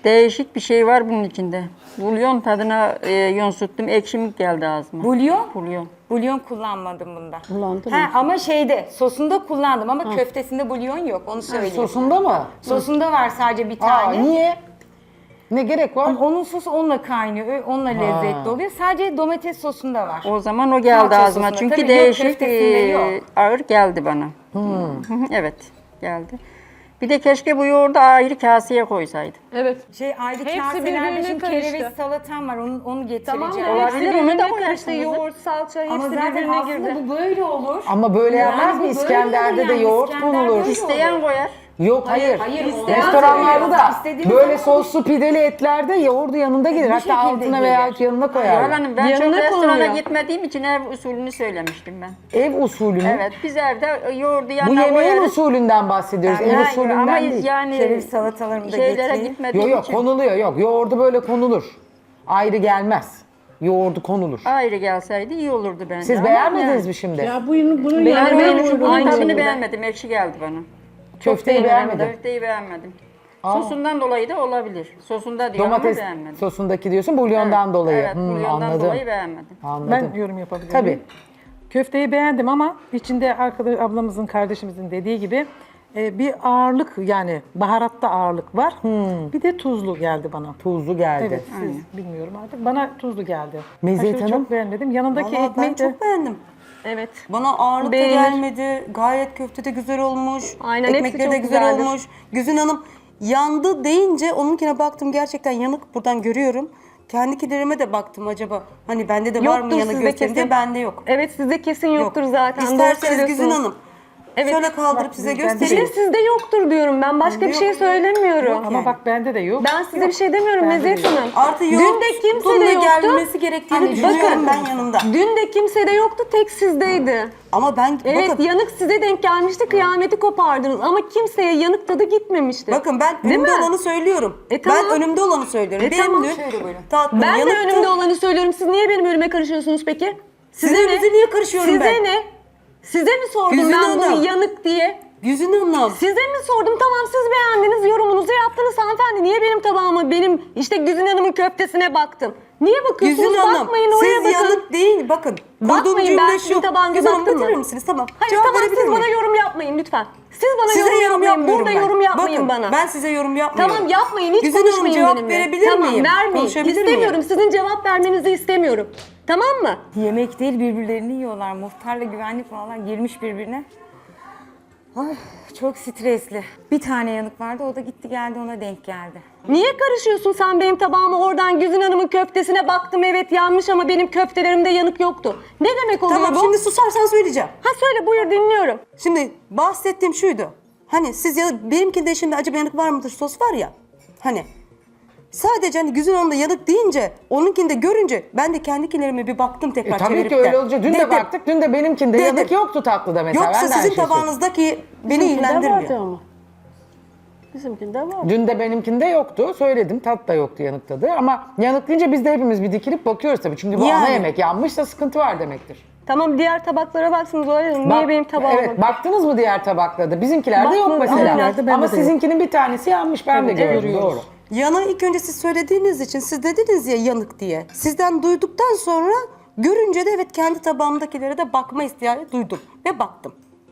Değişik bir şey var bunun içinde. Bulyon tadına yonsuttum. Ekşimlik geldi ağzıma. Bulyon? Bulyon. Bulyon kullanmadım bunda. Kullandın Ha, mı? ama şeyde sosunda kullandım ama köftesinde bulyon yok onu söyleyeyim. Sosunda mı? Sosunda var sadece bir Aa, tane. niye? Ne gerek var? Ama onun sosu onunla kaynıyor, onunla lezzetli oluyor. Sadece domates sosunda var. O zaman o geldi Salça ağzıma. sosunda. Çünkü Tabii yok, değişik, köftesinde yok. ağır geldi bana. Hı hı, evet, geldi. Bir de keşke bu yoğurdu ayrı kaseye koysaydı. Evet. Ayrı Hepsi kaselerde birbirine şimdi karıştı. kereviz salatam var, onu getireceğim. Tamam mı? Olabilir, Hepsi onu da birbirine koyarsınız. karıştı. Yoğurt, salça hepsi Ama zaten birbirine aslında girdi. bu böyle olur. Ama böyle Yani yapmaz bu mı? böyle İskender'de olur de yani, yoğurt İskender konulur. böyle İsteyen koyar. Yok hayır. hayır, Restoranlarda istediğiniz böyle zaman soslu pideli etlerde yoğurdu yanında gelir. Hatta şekilde altına gelir. veya yanına Zuhal koyar. Hanım, ben Yanına çok restorana konuluyor. gitmediğim için ev usulünü söylemiştim ben. Ev usulü mü? Evet, biz evde yoğurdu Bu yanına yemeğin koyarız. usulünden bahsediyoruz. Ev Yani usulünden ama değil. yani Kereviz salatalarımı da şeylere getireyim. gitmediğim Yok için konuluyor yok. Yoğurdu böyle konulur. Ayrı gelmez. Yoğurdu konulur. ayrı gelseydi iyi olurdu bence. Siz Ama beğenmediniz yani, mi şimdi? Ya bunun Yani yanına bunun aynı tadını şekilde. beğenmedim, ekşi geldi bana. Köfteyi beğenmedim. Köfteyi beğenmedim. Sosundan dolayı da olabilir. Sosunda diyor Domates ama beğenmedim. sosundaki diyorsun bulyondan dolayı. Evet, bulyondan anladım. dolayı beğenmedim. Anladım. Ben yorum yapabilirim. Tabii. Köfteyi beğendim ama içinde arkadaş ablamızın, kardeşimizin dediği gibi bir ağırlık yani baharatta ağırlık var. Bir de tuzlu geldi bana. Tuzlu geldi. Evet, siz bilmiyorum artık. Bana tuzlu geldi. Meziyet Aşırı Hanım? çok beğenmedim. Yanındaki Vallahi ben ekmek de çok beğendim. Evet. Bana ağırlık da Beğenir. gelmedi. Gayet köfte de güzel olmuş. Aynen, hepsi Ekmekleri çok de güzel güzeldir. olmuş. Güzin Hanım yandı deyince onunkine baktım, gerçekten yanık, buradan görüyorum. Kendikilerime de baktım, acaba hani bende de var mı Yoktur yanık sizde gösterim diye, kesin. bende yok. Evet sizde kesin yoktur Yok. zaten. Doğru İsterseniz Güzin söylüyorsunuz. Hanım Evet. şöyle kaldırıp size Bir de göstereyim. sizde yoktur diyorum ben. Başka bir Yok. şey söylemiyorum. ama yani. bak bende de yok. Ben size bir şey demiyorum Meziyet Hanım. Artı Dün yoğurt de kimse bununla de yoktu. gelmesi gerektiğini düşünüyorum ben yanında. Dün de kimse de yoktu, tek sizdeydi. Ama ben Evet, bakın, yanık size denk gelmişti, kıyameti kopardınız. Ama kimseye yanık tadı gitmemişti. bakın ben Değil önümde mi? olanı söylüyorum. Tamam. Ben önümde olanı söylüyorum. Benim Tamam. dün tatlım Ben de yanıktı. önümde olanı söylüyorum. Siz niye benim önüme karışıyorsunuz peki? Sizin önünüze niye karışıyorum Size ben? ne? Size mi sordum Güzin ben Hanım. bu yanık diye? Güzin Hanım. Size mi sordum? Tamam siz beğendiniz, yorumunuzu yaptınız hanımefendi. Niye benim tabağıma, benim işte Güzin Hanım'ın köftesine baktım? Niye bakıyorsunuz? Güzin Hanım, Bakmayın oraya siz bakın. yanık değil, bakın. Kurduğum Bakmayın, ben cümle sizin şu. tabağınıza Güzin Hanım baktım bitirir mı? misiniz? Tamam. Hayır Cevap tamam verebilir siz bana miyim? yorum yapmayın lütfen. Siz bana Size yorum yorum yapmayın. yapmıyorum Burada ben. yorum yapmayın Bakın, bana. ben size yorum yapmıyorum. Tamam yapmayın, hiç Güzin Hanım, konuşmayın cevap benimle. verebilir tamam, miyim? vermeyin. Konuşabilir İstemiyorum. miyim? Sizin cevap vermenizi istemiyorum. Tamam mı? Yemek değil, birbirlerini yiyorlar. Muhtarla güvenlik falan girmiş birbirine. Ay, çok stresli. Bir tane yanık vardı, o da gitti geldi, ona denk geldi. Niye karışıyorsun sen benim tabağıma? Oradan Güzin Hanım'ın köftesine baktım, evet yanmış ama benim köftelerimde yanık yoktu. Ne demek oluyor Tamam, bu? şimdi susarsan söyleyeceğim. Ha söyle, buyur dinliyorum. Şimdi bahsettiğim şuydu. Hani siz ya, benimkinde şimdi acaba yanık var mıdır sos var ya. Hani sadece hani Güzin Hanım'da yanık deyince, onunkinde görünce ben de kendikilerime bir baktım tekrar Tabii çevirip ki de. öyle olacak. Dün de Dedim, baktık. Dün de benimkinde Dedim. yanık yoktu tatlıda mesela. Yoksa Ben de aynı sizin şeyi söyledim. tabağınızdaki beni şey Bizimkinde vardı ilgilendirmiyor. ama. Bizimkinde var. Dün de benimkinde yoktu. Söyledim. Tat da yoktu yanık tadı. Ama yanık deyince biz de hepimiz bir dikilip bakıyoruz tabii. Çünkü bu ana Yani. yemek yanmışsa sıkıntı var demektir. Tamam diğer tabaklara baksınız öyle mi? Niye Bak- benim tabağıma? Evet, baktınız mı diğer tabaklarda? Bizimkilerde yok Bakmadım. mesela. Aynen, bende Ama de yok. sizinkinin bir tanesi yanmış. Ben de gördüm. görüyoruz. Doğru. Yanığı ilk önce siz söylediğiniz için, siz dediniz ya yanık diye. Sizden duyduktan sonra görünce de evet kendi tabağımdakilere de bakma ihtiyacı duydum ve baktım.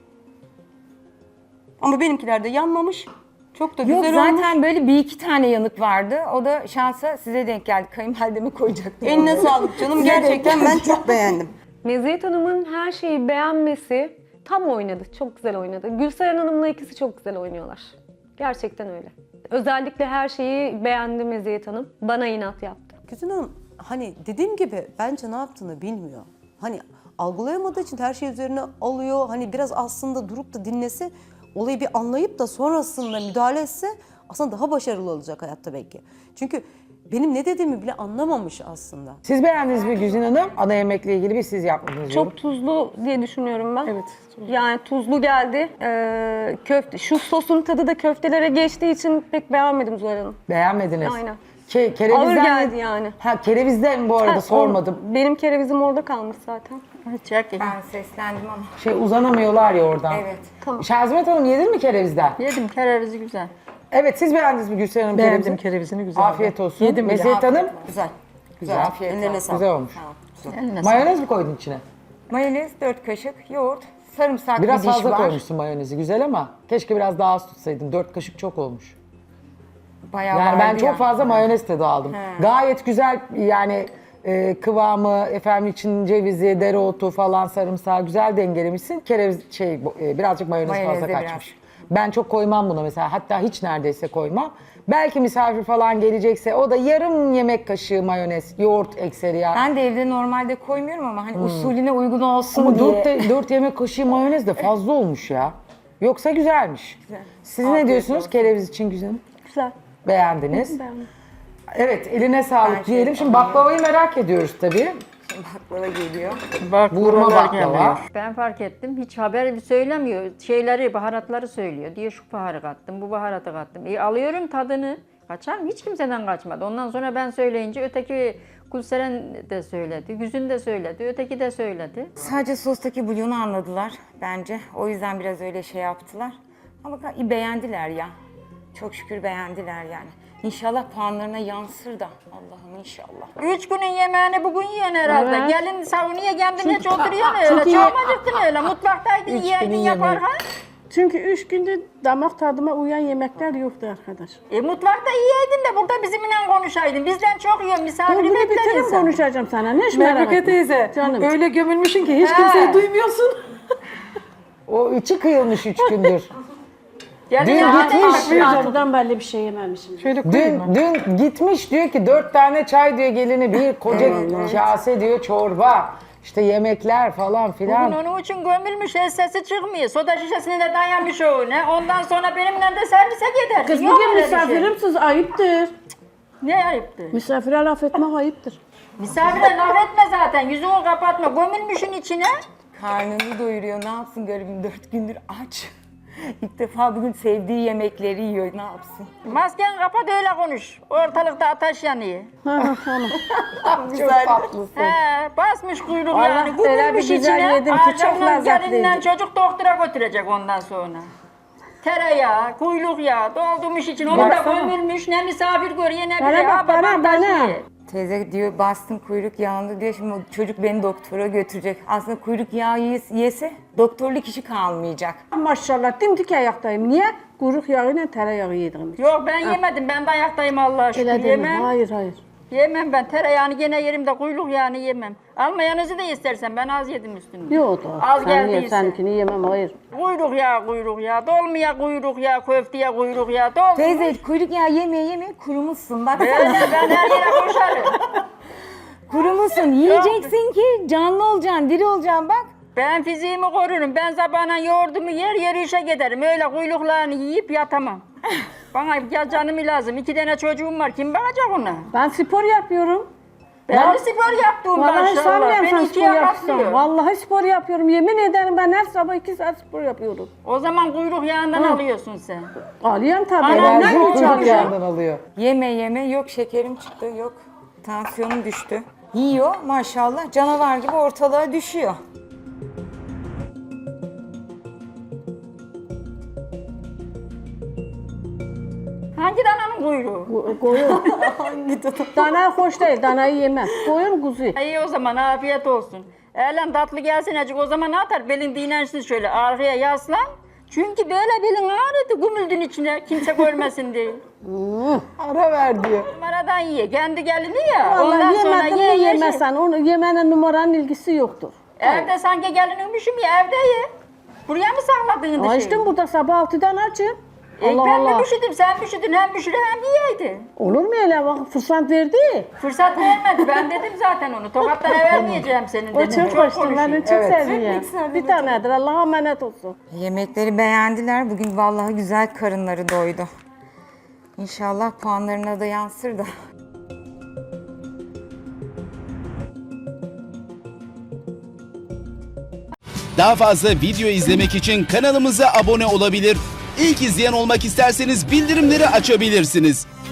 Ama benimkiler de yanmamış. Çok da Yok güzel zaten olmuş. böyle bir iki tane yanık vardı. O da şansa size denk geldi. Kayınvalideme koyacaktım. Eline sağlık canım. Gerçekten ben çok beğendim. Meziyet Hanım'ın her şeyi beğenmesi tam oynadı. Çok güzel oynadı. Gülseren Hanım'la ikisi çok güzel oynuyorlar. Gerçekten öyle. Özellikle her şeyi beğendi Meziyet Hanım. Bana inat yaptı. Güzin Hanım hani dediğim gibi bence ne yaptığını bilmiyor. Hani algılayamadığı için her şey üzerine alıyor. Hani biraz aslında durup da dinlese, olayı bir anlayıp da sonrasında müdahale etse aslında daha başarılı olacak hayatta belki. Çünkü benim ne dediğimi bile anlamamış aslında. Siz beğendiniz mi Güzin Hanım? Ana yemekle ilgili bir siz yapmadınız. yorum. Çok tuzlu diye düşünüyorum ben. Evet. Yani tuzlu geldi. Köfte, şu sosun tadı da köftelere geçtiği için pek beğenmedim Zuhal Hanım. Beğenmediniz. Aynen. Kerevizden Ağır geldi yani. Ha kerevizden bu arada Ha, sormadım. Benim kerevizim orada kalmış zaten. Çek. Ben seslendim ama. Uzanamıyorlar ya oradan. Evet. Tamam. Şazimet Hanım yedin mi kerevizden? Yedim, kerevizi güzel. Evet, siz beğendiniz mi Gülseren Hanım Beğendim kerevizini? kerevizini, güzel. Afiyet olsun. Yedim bile. Meziyet Hanım, Güzel. güzel. Afiyet. Ellerine sağlık. Güzel olmuş. Eline Mayonez mi koydun içine? Mayonez 4 kaşık, yoğurt, sarımsak Biraz bir diş fazla var. koymuşsun mayonezi, güzel ama keşke biraz daha az tutsaydın. 4 kaşık çok olmuş. Bayağı Yani ben vardı çok ya. fazla mayonez tadı aldım. Gayet güzel yani kıvamı, efendim için cevizi, dereotu falan, sarımsağı güzel dengelemişsin. Kereviz birazcık mayonez Mayonez fazla de kaçmış. Ben çok koymam buna mesela. Hatta hiç neredeyse koymam. Belki misafir falan gelecekse o da yarım yemek kaşığı mayonez, yoğurt ekseri ya. Ben de evde normalde koymuyorum ama hani usulüne uygun olsun Ama diye. 4 yemek kaşığı mayonez de fazla olmuş ya. Yoksa güzelmiş. Siz ne diyorsunuz kereviz için güzelim? Güzel. Beğendiniz. Evet, eline sağlık diyelim. Şimdi baklavayı merak ediyoruz tabii. Baklava geliyor. Bak Vurma buralar baklava. geliyor. Ben fark ettim. Hiç haber söylemiyor. Şeyleri, baharatları söylüyor. Diyor şu baharı kattım, bu baharatı kattım. Alıyorum tadını. Kaçar mı? Hiç kimseden kaçmadı. Ondan sonra ben söyleyince öteki Gülseren de söyledi, Güzün de söyledi, öteki de söyledi. Sadece sostaki bulyonu anladılar bence. O yüzden biraz öyle şey yaptılar. Ama beğendiler ya. Çok şükür beğendiler yani. İnşallah puanlarına yansır da. Allah'ım inşallah. 3 günün yemeğini bugün yiyen herhalde. Evet. Gelin savunuya kendine hiç oturuyorsun öyle. çünkü- Çok acıktın öyle. Mutfaktaydın yiyeydin yapar ha. Çünkü 3 gündür damak tadıma uyan yemekler yoktu arkadaş. Mutfakta yiyeydin de burada bizimle konuşaydın. Bizden çok yiyorsun. Dur Misafiri bunu bekler bitirin insan. konuşacağım sana. Ne iş merak Melike etme. teyze Canım. öyle gömülmüşsün ki hiç He. kimseyi duymuyorsun. O içi kıyılmış 3 gündür. Gelin Dün ya, gitmiş. Altıdan belli bir şey yememişim. Şöyle koyayım mı? Dün gitmiş diyor ki 4 tane çay diyor gelini, bir koca kase diyor çorba. İşte yemekler falan Bugün filan. onun için gömülmüş, sesi çıkmıyor. Soda şişesine de dayanmış o ne. Ondan sonra benimle de servise gider. Kız Yok bugün öyle bir şey. misafirimsiz ayıptır. Ne ayıptır? Misafire laf etmek ayıptır. Misafire laf etme zaten. Yüzünü kapatma. Gömülmüşün içine. Karnını doyuruyor. Ne yapsın garibim 4 gündür aç. İlk defa bugün sevdiği yemekleri yiyor. Ne yapsın? Masken kapat öyle konuş. Ortalıkta ateş yanıyor. Çok tatlısın. He, basmış kuyruk Allah yani. öyle bir Gömülmüş güzel içine. yedim ki çok Ardından lezzetliydi. gelinden çocuk doktora götürecek ondan sonra. Tereyağı, kuyruk yağı doldurmuş için. Onu da Baksana. gömülmüş. Ne misafir görüyor ne Bana biri. bak, Ha, bana, babam bana. taşıyor. Teyze diyor bastım kuyruk yağını diyor. Şimdi o çocuk beni doktora götürecek. Aslında kuyruk yağı yese doktorluk işi kalmayacak. Maşallah dimdik ayaktayım. Niye? Kuyruk yağıyla tereyağı yedim. Yok ben yemedim. Ben de ayaktayım Allah'a şükür. Öyle deme. Yemem. Hayır hayır. Yemem ben. Tereyağını gene yerim de kuyruk yağını yemem. Almayanızı da istersen ben az yedim üstünde. Yok da. Az Sen geldiyse. ye, seninkini yemem hayır. Kuyruk yağı, dolmaya kuyruk yağı, köfteye kuyruk yağı, dolmuş. Teyze kuyruk yağı yemeye kurumuşsun. Bak Böyle ben her yere koşarım. kurumuşsun. Yiyeceksin ki canlı olacaksın, diri olacaksın bak. Ben fiziğimi korurum. Ben sabahına yoğurdumu yer işe giderim. Öyle kuyruklarını yiyip yatamam. Bana ya canım lazım. 2 tane çocuğum var. Kim bakacak ona? Ben spor yapıyorum. Ben de spor yaptım Vallahi maşallah. sanmıyorum sen Ben spor 2'ye yapsın. katlıyor. Vallahi spor yapıyorum. Yemin ederim ben her sabah 2 saat spor yapıyorum. O zaman kuyruk yağından alıyorsun sen. Alıyorum tabii. Anam, Nereden Enerji hiç kuyruk alıyorum? yağından alıyor. Yeme yok şekerim çıktı yok. Tansiyonum düştü. Yiyor maşallah canavar gibi ortalığa düşüyor. Hangi dananın kuyruğu? Koyun. Dana hoş değil. Danayı yemem. Koyun kuzu. İyi o zaman afiyet olsun. Eğlen tatlı gelsin acık o zaman atar. Belin dinlensin şöyle arkaya yaslan. Çünkü böyle belin ağrıdı gümüldün içine kimse görmesin diye. Ara ver diyor. Numaradan ye. Kendi gelini ya. Vallahi Ondan sonra yemedim ye mi ye. yemesen. Onu yemenin numaranın ilgisi yoktur. Evde sanki gelinmişim ya evde ye. Buraya mı sakladın dışı? Açtım burada sabah 6'dan açım. Allah Ben mi Allah. üşüdüm, sen mi üşüdün, hem üşüdü hem yiyeydin. Olur mu öyle bak fırsat verdi. Fırsat vermedi, ben dedim zaten onu. Tokatlara vermeyeceğim senin O dedim. çok hoştu. Ben de çok Evet. sevdim ya. Bir tanedir. Allah'a emanet olsun. Yemekleri beğendiler. Bugün vallahi güzel karınları doydu. İnşallah puanlarına da yansır da. Daha fazla video izlemek için kanalımıza abone olabilir. İlk izleyen olmak isterseniz bildirimleri açabilirsiniz.